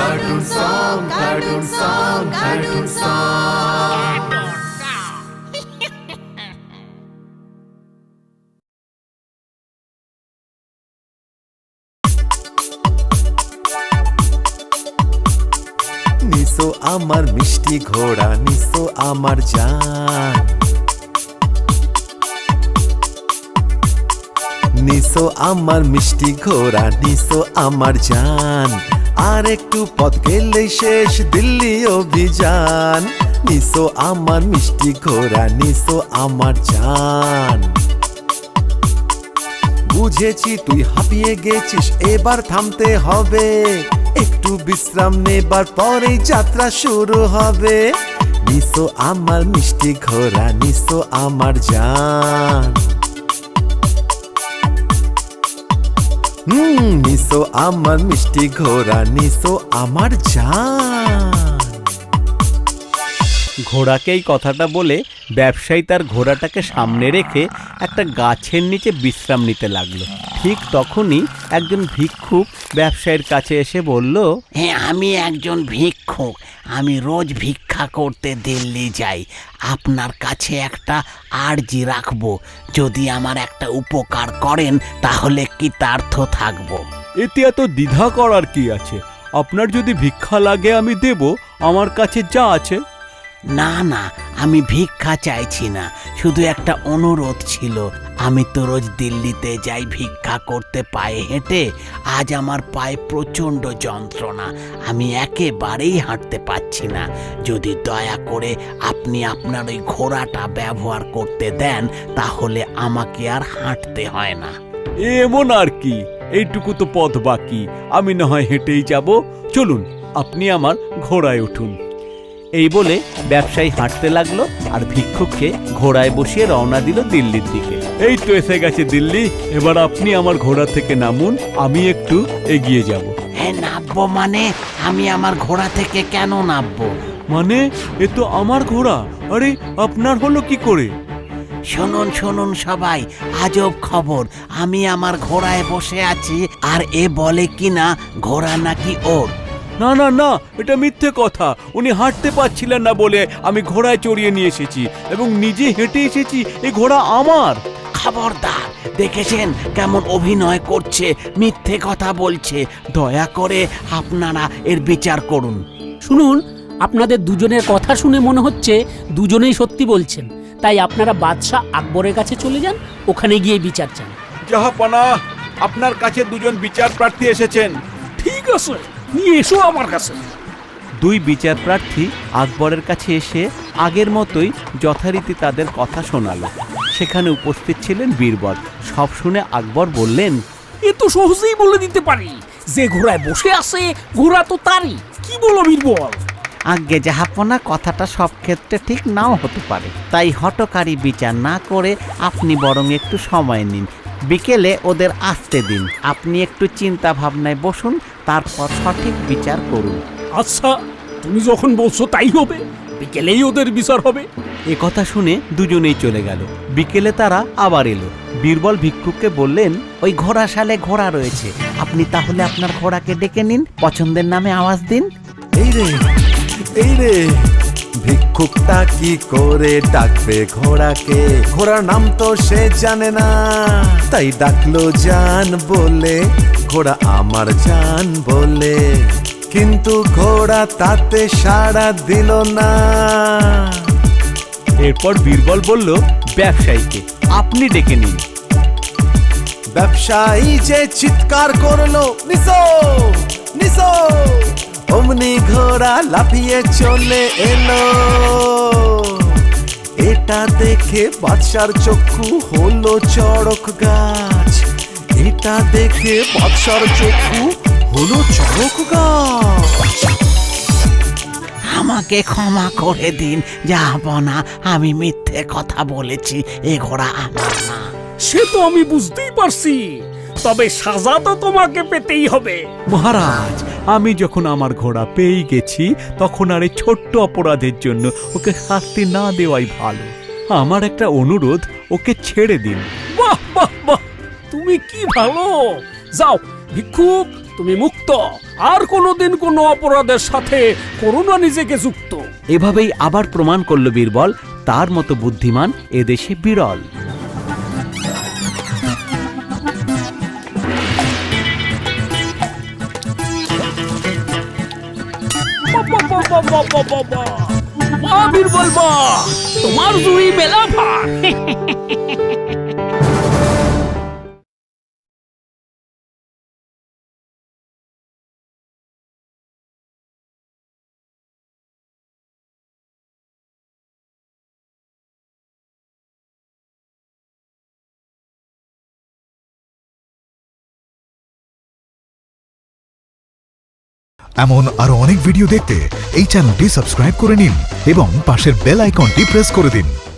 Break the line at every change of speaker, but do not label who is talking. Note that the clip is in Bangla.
cartoon song, cartoon song, cartoon song. নিসো আমার মিষ্টি ঘোড়া, নিসো আমার জান। নিসো আমার মিষ্টি ঘোড়া, নিসো আমার জান। আর একটু পথ গেলে শেষ দিল্লি অভিযান। নিসো আমার মিষ্টি ঘোড়া, নিসো আমার জান। বুঝেছি তুই হাঁপিয়ে গেছিস, এবার থামতে হবে। একটু বিশ্রাম নেবার পরেই যাত্রা শুরু হবে। নিসো আমার মিষ্টি ঘোড়া, নিসো আমার জান। নিসো আমার মিষ্টি ঘোড়া, নিসো আমার জান।
ঘোড়াকে এই কথাটা বলে ব্যবসায়ী তার ঘোড়াটাকে সামনে রেখে একটা গাছের নিচে বিশ্রাম নিতে লাগলো। ঠিক তখনই একজন ভিক্ষুক ব্যবসায়ীর কাছে এসে বলল,
হ্যাঁ, আমি একজন ভিক্ষুক। আমি রোজ ভিক্ষা করতে দিল্লি যাই। আপনার কাছে একটা আর্জি রাখবো। যদি আমার একটা উপকার করেন তাহলে কৃতার্থ থাকবো।
এতে এত দ্বিধা করার কি আছে? আপনার যদি ভিক্ষা লাগে আমি দেব, আমার কাছে যা আছে।
না না, আমি ভিক্ষা চাইছি না, শুধু একটা অনুরোধ ছিল। আমি তো রোজ দিল্লিতে যাই ভিক্ষা করতে পায়ে হেঁটে। আজ আমার পায়ে প্রচণ্ড যন্ত্রণা, আমি একেবারেই হাঁটতে পারছি না। যদি দয়া করে আপনি আপনার ওই ঘোড়াটা ব্যবহার করতে দেন তাহলে আমাকে আর হাঁটতে হয় না।
এমন আর কি, এইটুকু তো পথ বাকি, আমি না হয় হেঁটেই যাব। চলুন, আপনি আমার ঘোড়ায় উঠুন। এই বলে ব্যবসায়ী হাঁটতে লাগলো আর ভিক্ষুককে ঘোড়ায় বসিয়ে রওনা দিল দিল্লির দিকে। এই তো এসে গেছে দিল্লি, এবার আপনি আমার ঘোড়া থেকে নামুন, আমি একটু এগিয়ে যাব।
হ্যাঁ, নামবো মানে? আমি আমার ঘোড়া থেকে কেন নামবো?
মানে এ তো আমার ঘোড়া। আরে আপনার হলো কি করে?
শুনুন শুনুন সবাই, আজব খবর। আমি আমার ঘোড়ায় বসে আছি আর এ বলে কিনা ঘোড়া নাকি ওর।
না না না, এটা মিথ্যে কথা। উনি হাঁটতে পারছিলেন না বলে আমি ঘোড়ায় চড়িয়ে নিয়ে এসেছি এবং নিজে হেঁটে এসেছি। এই ঘোড়া আমার।
খবরদার, দেখেছেন কেমন অভিনয় করছে, মিথ্যে কথা বলছে। দয়া করে আপনারা এর বিচার করুন।
শুনুন, আপনাদের দুজনের কথা শুনে মনে হচ্ছে দুজনেই সত্যি বলছেন। তাই আপনারা বাদশাহ আকবরের কাছে চলে যান, ওখানে গিয়ে বিচার চান।
জাহাপনা, আপনার কাছে দুজন বিচার প্রার্থী এসেছেন।
ঠিক আছে, নিয়ে এসো আমার কাছে।
দুই বিচার প্রার্থী আকবরের কাছে এসে আগের মতোই যথারীতি তাদের কথা শোনালো। সেখানে উপস্থিত ছিলেন বীরবল। সব শুনে আকবর বললেন,
এ তো সহজেই বলে দিতে পারি, যে ঘোড়ায় বসে আছে ঘোড়া তো তারই। কি বলো বীরবল?
আজ্ঞে জাহাপনা, কথাটা সব ক্ষেত্রে ঠিক নাও হতে পারে। তাই হঠকারী বিচার না করে আপনি বরং একটু সময় নিন। বিকেলে ওদের আসতে দিন। আপনি একটু চিন্তা ভাবনায় বসুন, তারপর সঠিক বিচার করুন।
আচ্ছা, তুমি যখন বলছো তাই হবে। বিকেলেই ওদের বিচার হবে।
এ কথা শুনে দুজনেই চলে গেল। বিকেলে তারা আবার এলো। বীরবল ভিক্ষুককে বললেন,
ওই ঘোড়াশালে ঘোড়া রয়েছে, আপনি তাহলে আপনার ঘোড়াকে ডেকে নিন, পছন্দের নামে আওয়াজ দিন।
এই রে, এই রে, ভিক্ষুকটা কি করে ডাকবে ঘোড়াকে? ঘোড়ার নাম তো সে জানে না, তাই ডাকলো জান বলে, ঘোড়া আমার জান বলে। কিন্তু ঘোড়া তাতে সাড়া দিল না।
এরপর বীরবল বলল ব্যবসায়ীকে, আপনি ডেকে নিন।
ব্যবসায়ী যে চিৎকার করলো, নিসো নিসো, অমনি ঘোড়া লাফিয়ে চলে এলো। এটা দেখে বাদশার চক্ষু হলো চড়ক গাছ। এটা দেখে বাদশার চক্ষু হলো চড়ক গাছ।
আমাকে ক্ষমা করে দিন জাহাপনা, আমি মিথ্যে কথা বলেছি। এ ঘোড়া আমার না।
সে তো আমি বুঝতেই পারছি, তবে সাজা তো তোমাকে পেতেই হবে।
মহারাজ, আমি যখন আমার ঘোড়া পেয়ে গেছি তখন আর এই ছোট্ট অপরাধের জন্য ওকে শাস্তি না দেওয়াই ভালো। আমার একটা অনুরোধ, ওকে ছেড়ে দিন।
বাহ বাহ বাহ, তুমি কি ভালো। যাও ভিক্ষুক, তুমি মুক্ত, আর কোনোদিন কোনো অপরাধের সাথে করো না নিজেকে যুক্ত।
এভাবেই আবার প্রমাণ করল বীরবল তার মতো বুদ্ধিমান এদেশে বিরল।
বাহ বীরবল বাহ, তোমার জুড়ি মেলা ভার।
এমন আরো অনেক ভিডিও দেখতে এই চ্যানেলটি সাবস্ক্রাইব করে নিন এবং পাশের বেল আইকনটি প্রেস করে দিন।